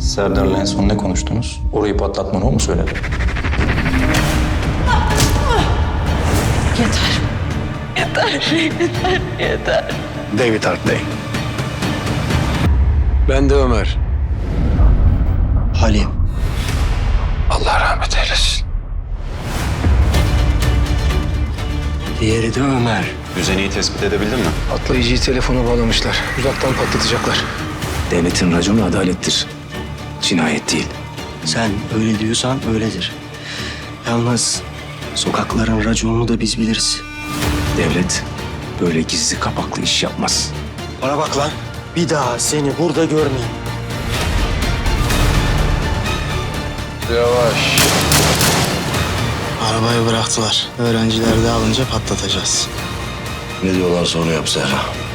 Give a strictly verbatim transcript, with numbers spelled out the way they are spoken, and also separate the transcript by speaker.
Speaker 1: Serdar'la en son ne konuştunuz? Orayı patlatmanı o mu söyledi?
Speaker 2: Yeter. Yeter, yeter, yeter.
Speaker 3: David Hartley. Ben de Ömer.
Speaker 4: Halim.
Speaker 3: Allah rahmet eylesin.
Speaker 4: Diğeri de Ömer.
Speaker 5: Düzeneyi tespit edebildin mi?
Speaker 3: Atlayıcıyı telefona bağlamışlar. Uzaktan patlatacaklar.
Speaker 6: Devletin raconu adalettir. Cinayet değil.
Speaker 4: Sen öyle diyorsan öyledir. Yalnız sokakların raconunu da biz biliriz.
Speaker 6: Devlet böyle gizli kapaklı iş yapmaz.
Speaker 4: Bana bak lan. Bir daha seni burada görmeyeyim.
Speaker 3: Yavaş.
Speaker 7: Arabayı bıraktılar. Öğrenciler de alınca patlatacağız.
Speaker 6: Ne diyorlarsa onu yap Serra.